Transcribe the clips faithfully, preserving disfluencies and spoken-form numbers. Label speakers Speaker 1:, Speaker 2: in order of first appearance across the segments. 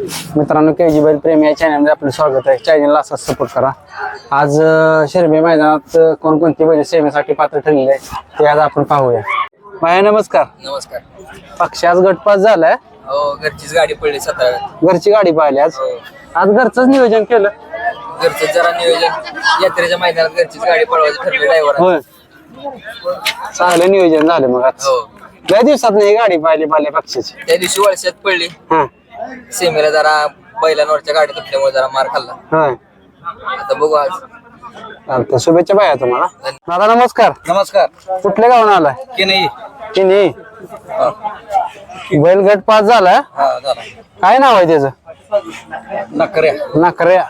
Speaker 1: मित्रांनो के जी बैल प्रेमी या चॅनलमध्ये आपलं स्वागत आहे। चॅनलला असाच सपोर्ट करा। आज शिरबे मैदानात कोणकोणती बैल सेवेसाठी पात्र ठरलेले आहे ते आज आपण पाहूया। भाई नमस्कार।
Speaker 2: नमस्कार।
Speaker 1: पक्ष आज गटपास झालाय।
Speaker 2: हो घरचीच गाडी पडली सतरा।
Speaker 1: घरची गाडी पाहिली आज। आज घरचंच नियोजन केलं।
Speaker 2: घरचं जरा नियोजन यात्रेच्या मैदानात घरचीच गाडी पळवायची ठरलं ड्रायव्हर।
Speaker 1: होय चांगलं नियोजन झालं मग आज।
Speaker 2: हो
Speaker 1: लय दिवसात नाही गाडी पाहिली पाहिली पक्षाची।
Speaker 2: त्या दिवशी वळशात पडली।
Speaker 1: हा
Speaker 2: सेमीला जरा बैलांवरच्या गाडी तुटल्यामुळे जरा मार खाल्ला।
Speaker 1: होय
Speaker 2: आता बघू आज।
Speaker 1: चालतंय शुभेच्छा भाया तुम्हाला। दादा नमस्कार।
Speaker 2: नमस्कार।
Speaker 1: कुठल्या गावून आलाय?
Speaker 2: की नाही
Speaker 1: की नाही बैल गट पास झाला।
Speaker 2: हा झाला।
Speaker 1: काय नाव आहे त्याचं?
Speaker 2: नकऱ्या
Speaker 1: नकऱ्या।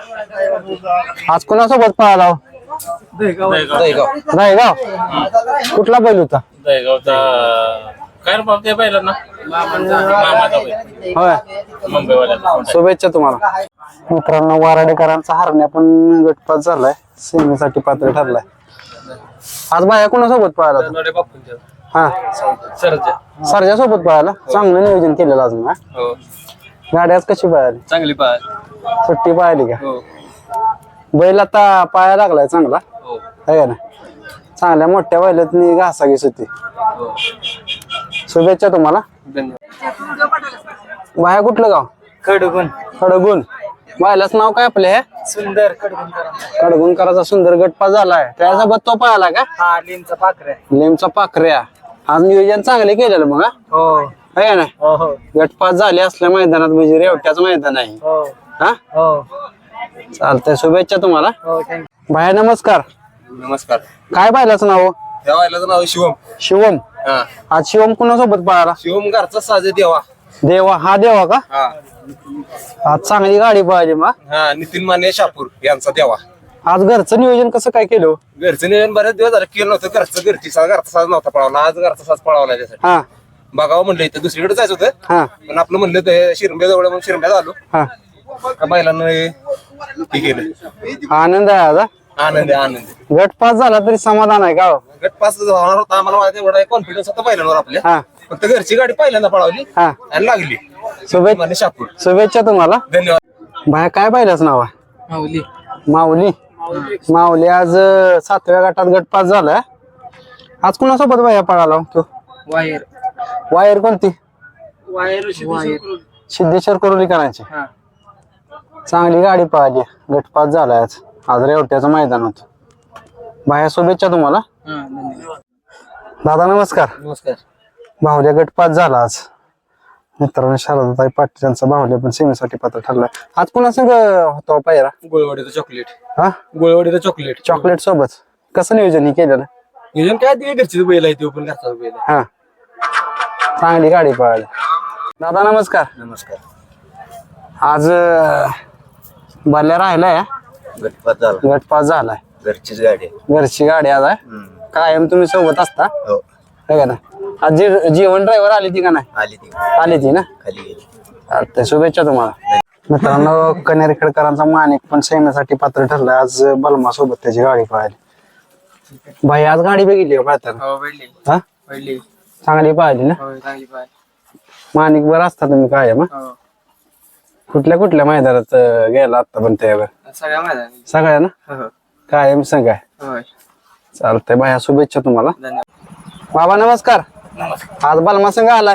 Speaker 1: आज कोणासोबत पळाला?
Speaker 2: दहीगाव।
Speaker 1: रायगाव। कुठला बैल होता?
Speaker 3: दहीगावचा काय रे बाप त्या बैलांना मामाचा बैल
Speaker 1: होय
Speaker 3: मुंबईवाल्याचा
Speaker 1: शुभेच्छा तुम्हाला। मित्रांनो वाराडेकरांचा हरण्या पण गटपास झालाय, सेमीसाठी पात्र ठरलाय। आज बाया कोणासोबत पळाला तू?
Speaker 3: नोडे बापूंच्या
Speaker 1: हा
Speaker 3: सरच्या
Speaker 1: सरच्या सोबत पळाला। चांगलं नियोजन केलेलं आज ना।
Speaker 3: हो
Speaker 1: गाडी आज कशी पळाली?
Speaker 3: चांगली पाय
Speaker 1: सुट्टी पळाली का?
Speaker 3: हो
Speaker 1: बैल आता पाया लागलाय चांगला
Speaker 3: हो
Speaker 1: आहे ना। चांगल्या मोठ्या बैलातनी घासाघीस होती।
Speaker 3: हो
Speaker 1: शुभेच्छा तुम्हाला।
Speaker 3: धन्यवाद।
Speaker 1: बाया कुठलं गाव?
Speaker 2: खडगुण
Speaker 1: खडगुण। बायलाच नाव काय आपले हे?
Speaker 2: सुंदर खडगुण।
Speaker 1: कडगुणकराचा सुंदर गटपास झालाय। त्यासोबत तो पळाला का?
Speaker 2: हा लिमचा पाखऱ्या।
Speaker 1: लेमचा पाखऱ्या। आज नियोजन चांगले केलेलं मग हा?
Speaker 2: हो
Speaker 1: आहे ना।
Speaker 2: हो हो
Speaker 1: गटपास झाले असल्या मैदानात म्हणजे रेवट्याचं मैदान आहे
Speaker 2: हो
Speaker 1: हा।
Speaker 2: हो
Speaker 1: चालतंय शुभेच्छा तुम्हाला।
Speaker 2: हो थँक्यू।
Speaker 1: भाया नमस्कार।
Speaker 3: नमस्कार।
Speaker 1: काय बायलाचं नाव?
Speaker 3: त्या बैलाचं नाव शिवम।
Speaker 1: शिवम।
Speaker 3: हा
Speaker 1: आज शिवम कुणासोबत पळाला?
Speaker 3: शिवम घरचा साजे देवा।
Speaker 1: देवा। हा देवा का?
Speaker 3: हा
Speaker 1: आज चांगली गाडी पळाली मग।
Speaker 3: हा नितीन माने शापूर यांचा देवा।
Speaker 1: आज घरचं नियोजन कसं काय केलं?
Speaker 3: घरचं नियोजन बरेच दिवस झालं केलं नव्हतं। घरचं घरची साज घरचा साज नव्हता पळवला। आज घरचा साज पळवला त्यासाठी
Speaker 1: हा
Speaker 3: बघावं म्हणलं इथं दुसरीकडे जायचं होतं
Speaker 1: हा
Speaker 3: पण आपलं म्हणलं ते शिरंब्या जवळ म्हणून शिरंब्यात आलो।
Speaker 1: हा
Speaker 3: का बैलांना हे केलं।
Speaker 1: आनंद आहे आज हा?
Speaker 3: आनंद आहे, आनंद आहे।
Speaker 1: गटपास झाला तरी समाधान आहे का?
Speaker 3: गट पास होणार होता आम्हाला माझ्या एवढा कॉन्फिडन्स होता बैलांवर आपल्या।
Speaker 1: हा
Speaker 3: फक्त घरची गाडी पहिल्यांदा पळवली
Speaker 1: हा
Speaker 3: आणि लागली।
Speaker 1: शुभेच्छा
Speaker 3: माने शापूर।
Speaker 1: शुभेच्छा तुम्हाला।
Speaker 3: धन्यवाद।
Speaker 1: बाया काय पाहिलंच नाव आहे?
Speaker 2: माऊली।
Speaker 1: माऊली। माऊली आज अं, सातव्या गटात गटपास झालाय। आज कुणासोबत बाया पळाला तो?
Speaker 2: वायर
Speaker 1: वायर कोणती?
Speaker 2: वायर
Speaker 1: सिद्धेश्वर कोरोली करायची। चांगली गाडी पळाली। गटपास झालाय आज। आज रेवट्याचं मैदान होतं। बाया शुभेच्छा तुम्हाला। दादा नमस्कार।
Speaker 2: नमस्कार।
Speaker 1: बाहुल्या गटपास झाला आज। मित्रांनो शारदाताई पाटील यांचा बाहुल्या पण सेमीसाठी पात्र ठरलाय। आज पुन्हा संग होता पायरा?
Speaker 3: गोळवाडीचं चॉकलेट।
Speaker 1: हा
Speaker 3: गोळवाडीचं चॉकलेट।
Speaker 1: चॉकलेट सोबत कसं नियोजन हे केलेलं?
Speaker 3: नियोजन काय ते घरचीच बैल आहे तो पण घरचा बैल आहे।
Speaker 1: हा चांगली गाडी पळाली। दादा नमस्कार।
Speaker 3: नमस्कार।
Speaker 1: आज बाल्या राहिलाय।
Speaker 3: गटपास झाला।
Speaker 1: गटपास झालाय।
Speaker 3: घरचीच गाडी आहे।
Speaker 1: घरची गाडी आज आहे। कायम तुम्ही सोबत असता
Speaker 3: हो
Speaker 1: है का ना? आज जी- जीवन ड्रायव्हर आली ती का नाही?
Speaker 3: आली ती
Speaker 1: आली ती ना।
Speaker 3: खाली गेली।
Speaker 1: चालतंय शुभेच्छा तुम्हाला। मित्रांनो कनेरखेडकरांचा माणिक पण सेमीसाठी पात्र ठरलाय। आज बलमा सोबत त्याची गाडी पळाली। भाई आज गाडी बघितली का पळताना?
Speaker 2: हो पडली
Speaker 1: हा
Speaker 2: पडली।
Speaker 1: चांगली पाहिली ना।
Speaker 2: हो चांगली पाय।
Speaker 1: माणिक बरं असता तुम्ही काय मग
Speaker 2: हो
Speaker 1: कुठल्या कुठल्या मैदानात अं, गेला आता पण त्यावर?
Speaker 2: सगळ्या मैदानी।
Speaker 1: सगळ्या ना
Speaker 2: हो
Speaker 1: कायम संघ आहे।
Speaker 2: होय
Speaker 1: चालतंय भाया शुभेच्छा तुम्हाला।
Speaker 2: धन्यवाद।
Speaker 1: बाबा नमस्कार।
Speaker 2: नमस्कार।
Speaker 1: आज बलमा संघ आलाय।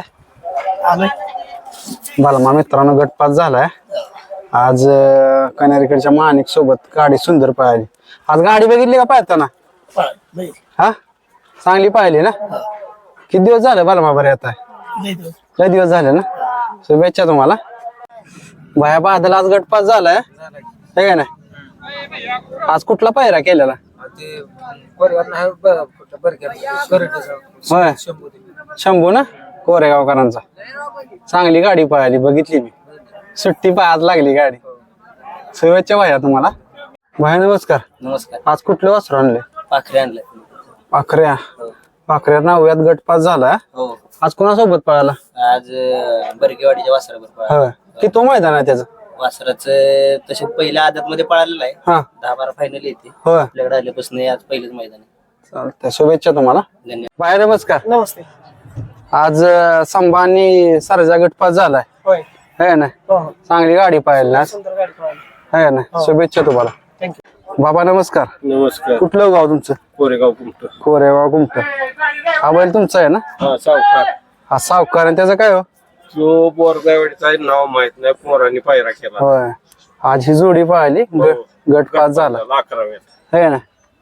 Speaker 1: बलमा मित्रांनो गटपास झालाय। आज अं, कनेरीकडच्या माणिक सोबत गाडी सुंदर पळाली। आज गाडी बघितली का पाहताना? हा चांगली पाहिली ना। किती दिवस झाले बलमा बरे येत आहे? लय दिवस झाले ना। शुभेच्छा तुम्हाला। भाया बादल आज गटपास झालाय है का नाही? आज कुठला पायरा केलेला?
Speaker 2: ते परिवार नाही बरं बरं केलं।
Speaker 1: होय शंभू ना कोरेगावकरांचा। चांगली गाडी पळाली बघितली मी। सुट्टी पाय आज लागली गाडी। शुभेच्छा भाया तुम्हाला। भाया नमस्कार।
Speaker 2: नमस्कार।
Speaker 1: आज कुठले वस्त्र आणले?
Speaker 2: पाखरे आणले।
Speaker 1: पाखऱ्या। पाखऱ्या नवव्यात गटपास झाला।
Speaker 2: हो
Speaker 1: आज कोणासोबत पळाला?
Speaker 2: आज बरकेवाडीच्या वासरावर
Speaker 1: होय की तो मैदान आहे त्याचं?
Speaker 2: वासराच तसे पहिल्या आदत मध्ये पळालेलं आहे।
Speaker 1: हा
Speaker 2: दहा बारा फायनल येते
Speaker 1: होय
Speaker 2: आपल्याकडे आल्यापासून आज पहिलेच मैदान आहे।
Speaker 1: चालतंय शुभेच्छा तुम्हाला।
Speaker 2: धन्यवाद।
Speaker 1: भाया नमस्कार।
Speaker 2: नमस्ते।
Speaker 1: आज संभा आणि सरजा गटपास झालाय
Speaker 2: होय
Speaker 1: है ना चांगली गाडी पाहिली ना है ना शुभेच्छा तुम्हाला बाबा नमस्कार.
Speaker 3: नमस्कार.
Speaker 1: कुठलं गाव तुमचं?
Speaker 3: कोरेगाव कुमट.
Speaker 1: कोरेगाव गुमट. हा बैल तुमचा आहे ना?
Speaker 3: हा सावकार.
Speaker 1: हा सावकार आणि त्याचं काय हो?
Speaker 3: जो बोरगावचा नाव माहित नाही, पोरांनी पायरा केला.
Speaker 1: होय आज ही जोडी पाहिली ग- गट पास झाला
Speaker 3: अकराव्यात.
Speaker 1: है ना.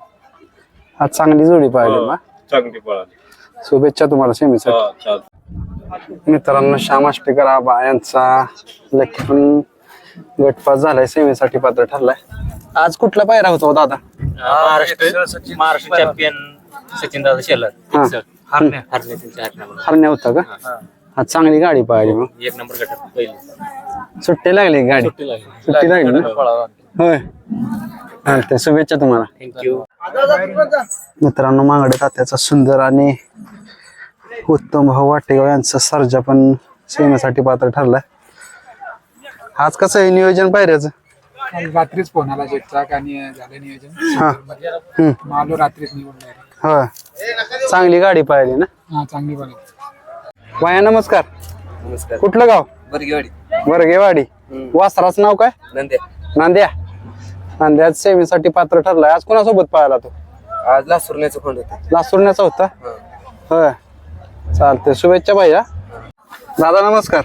Speaker 1: आज चांगली जोडी पाहिली मग
Speaker 3: चांगली पळाली.
Speaker 1: शुभेच्छा तुम्हाला सेमीसाठी.
Speaker 3: हा चालतं.
Speaker 1: मित्रांनो श्याम आष्टेकर आबा यांचा लकी पण गटपास झालाय सेमीसाठी पात्र ठरलाय. आज कुठला पायरा होता हो दादा?
Speaker 2: महाराष्ट्र महाराष्ट्र चॅम्पियन सचिन दादा शेलर
Speaker 1: हा.
Speaker 2: हरणे हरणे त्यांच्या हरण्यामध्ये
Speaker 1: हरण्या होता का? आज चांगली गाडी पाहिली मग
Speaker 2: एक नंबर गटात पहिली
Speaker 1: सुट्टी लागली गाडी सुट्टी लागली ना होय. चालतंय शुभेच्छा तुम्हाला.
Speaker 2: थँक्यू.
Speaker 1: मित्रांनो मांगडे तात्याचा सुंदर आणि उत्तम भाऊ वाटेगाव यांचा सर्जा पण सेमीसाठी पात्र ठरलाय. आज कसं आहे नियोजन पायऱ्याचं?
Speaker 4: रात्रीच फोन आला जेटचा आणि झालं नियोजन.
Speaker 1: हा हम्म.
Speaker 4: मग आलो रात्रीच निघून direct.
Speaker 1: होय चांगली गाडी पाहिली ना.
Speaker 4: हा चांगली पण
Speaker 1: वाया नमस्कार.
Speaker 2: नमस्कार.
Speaker 1: कुठलं गाव?
Speaker 2: बरगेवाडी.
Speaker 1: वरगेवाडी. वासराचं नाव काय?
Speaker 2: नंद्या.
Speaker 1: नांद्या. नांद्या सेमीसाठी पात्र ठरलाय. आज कोणासोबत पाहिला तो?
Speaker 2: आज लासुरण्याचं खोंड होतं.
Speaker 1: लासूरण्याचा होता होय. चालतंय शुभेच्छा भैया. दादा नमस्कार.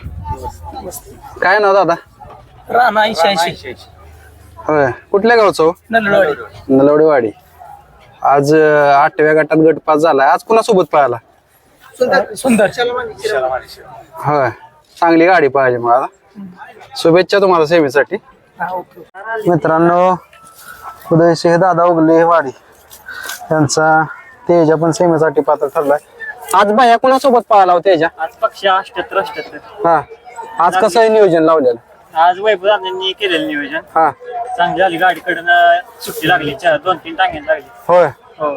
Speaker 1: काय नाव दादा?
Speaker 2: राणा ऐंशी ऐंशी
Speaker 1: होय कुठल्या गावचं हो?
Speaker 2: नलवाडी.
Speaker 1: नलवडेवाडी. आज अं, आठव्या गटात गट पास झालाय. आज कोणासोबत पाहिला?
Speaker 2: सुंदर.
Speaker 1: होय चांगली गाडी पाहिजे मग आता. शुभेच्छा तुम्हाला सेमीसाठी. मित्रांनो उदयसिंह दादा उगले वाडी यांचा तेजा पण सेमीसाठी पात्र ठरलाय. आज बाया कोणासोबत पाहिला हो तेजा?
Speaker 5: आज पक्ष अठ्याहत्तर अठ्याहत्तर.
Speaker 1: हा आज कसं आहे नियोजन लावलेलं?
Speaker 5: आज वैभव दादांनी केलेलं नियोजन
Speaker 1: हा
Speaker 5: चांगली झाली. गाडीकडनं सुट्टी लागली चार दोन तीन टांग्याला लागली.
Speaker 1: होय
Speaker 5: हो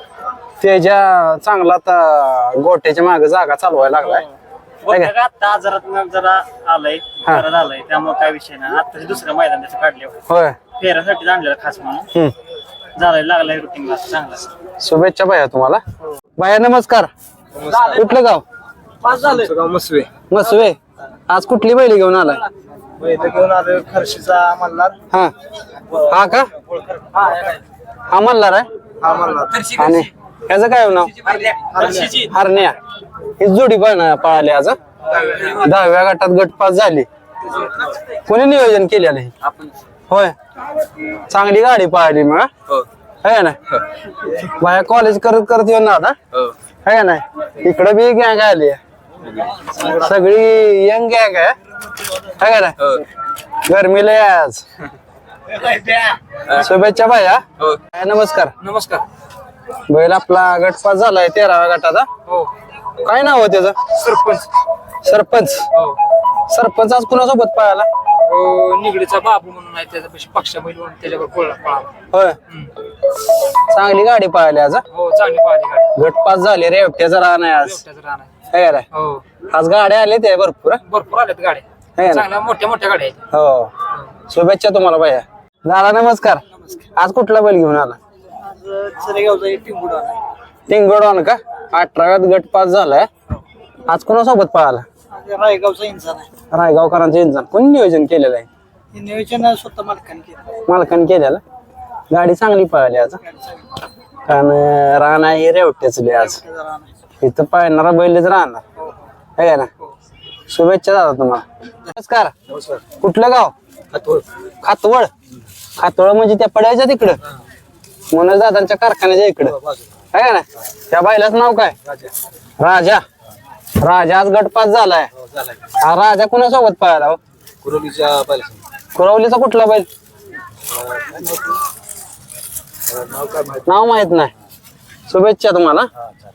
Speaker 1: तेजा चांगला आता गोट्याच्या मागे जागा चालवायला लागलाय.
Speaker 5: बघा का आता आजारात जरा आलाय
Speaker 1: हा.
Speaker 5: जरा झालाय त्यामुळे काय विषय नाही. आता दुसरं मैदान त्याचं काढले
Speaker 1: होय
Speaker 5: फेऱ्यासाठी आणलेलं खास म्हणून
Speaker 1: हम्म.
Speaker 5: झालाय लागलाय रुटीनला चांगला.
Speaker 1: शुभेच्छा भैया तुम्हाला. भैया नमस्कार. कुठलं गाव?
Speaker 4: गाव मसवे
Speaker 1: मसवे. आज कुठली बैली घेऊन आलाय?
Speaker 4: घेऊन आलो खर्शीचा मल्हार.
Speaker 1: हा हा का हा मल्हार आहे.
Speaker 4: हा मल्हार
Speaker 1: आणि ह्याचं काय नाव?
Speaker 5: हर्षीची
Speaker 1: हरण्या. ही जोडी पण पळाली आज हा? दहाव्या गटात गट पास झाली. कोणी नियोजन केलेलं हे? होय चांगली गाडी पळाली मग हा? है ना बाया कॉलेज करत करत येऊन ना आता है ना. इकडे बी गॅंग आली सगळी यंग गॅंग आहे है ना. गरमीला आहे आज. शुभेच्छा भैया. नमस्कार.
Speaker 2: नमस्कार.
Speaker 1: बैल आपला गट पास झालाय तेराव्या गटाचा.
Speaker 2: हो.
Speaker 1: काय नाव आहे त्याचं?
Speaker 2: सरपंच.
Speaker 1: सरपंच.
Speaker 2: हो.
Speaker 1: सरपंच आज कुणासोबत पळाला?
Speaker 2: हो, निगडीचा बाबू म्हणून आहे त्याच्यापाशी पक्षा बैल म्हणून त्याच्यावर पळला पळाला.
Speaker 1: होय चांगली गाडी पळाली आज हा?
Speaker 2: हो चांगली पाहिली गाडी.
Speaker 1: गट पास झाले रे एकट्याचा राहणार आहे आज
Speaker 2: त्याचं राहणार.
Speaker 1: है ना.
Speaker 2: हो
Speaker 1: आज गाड्या आले ते भरपूर हा?
Speaker 2: भरपूर आल्यात
Speaker 1: है
Speaker 2: गाड्या
Speaker 1: ना.
Speaker 2: चांगल्या मोठ्या मोठ्या गाड्या आहेत.
Speaker 1: हो शुभेच्छा तुम्हाला भैया. दादा नमस्कार. आज कुठला बैल घेऊन आला? टिंगोडवान का? अठराव्यात गट पास झालाय. आज कोणासोबत पळाला?
Speaker 4: रायगावचा इंसान आहे.
Speaker 1: रायगावकरांचं इंजान कोणी नियोजन केलेलं आहे?
Speaker 4: हे नियोजन स्वतः मालकाने केलं.
Speaker 1: मालकाने केलेलं. गाडी चांगली पळाली आज कारण राणा हे रेवट्याचले आज इथं पाळणारा बैलच राहणार है ना. शुभेच्छा दादा तुम्हाला. नमस्कार. कुठलं गाव? खातवळ. खातवळ म्हणजे त्या पड्याच्या तिकडं मनोज दादांच्या कारखान्याच्या इकडं है ना. त्या बैलाचं नाव काय? राजा. राजा आज गटपास झालाय. हा राजा कुणासोबत पळाला हो? कुरवलीचा कुठला बैल? नाव माहित नाही. शुभेच्छा तुम्हाला.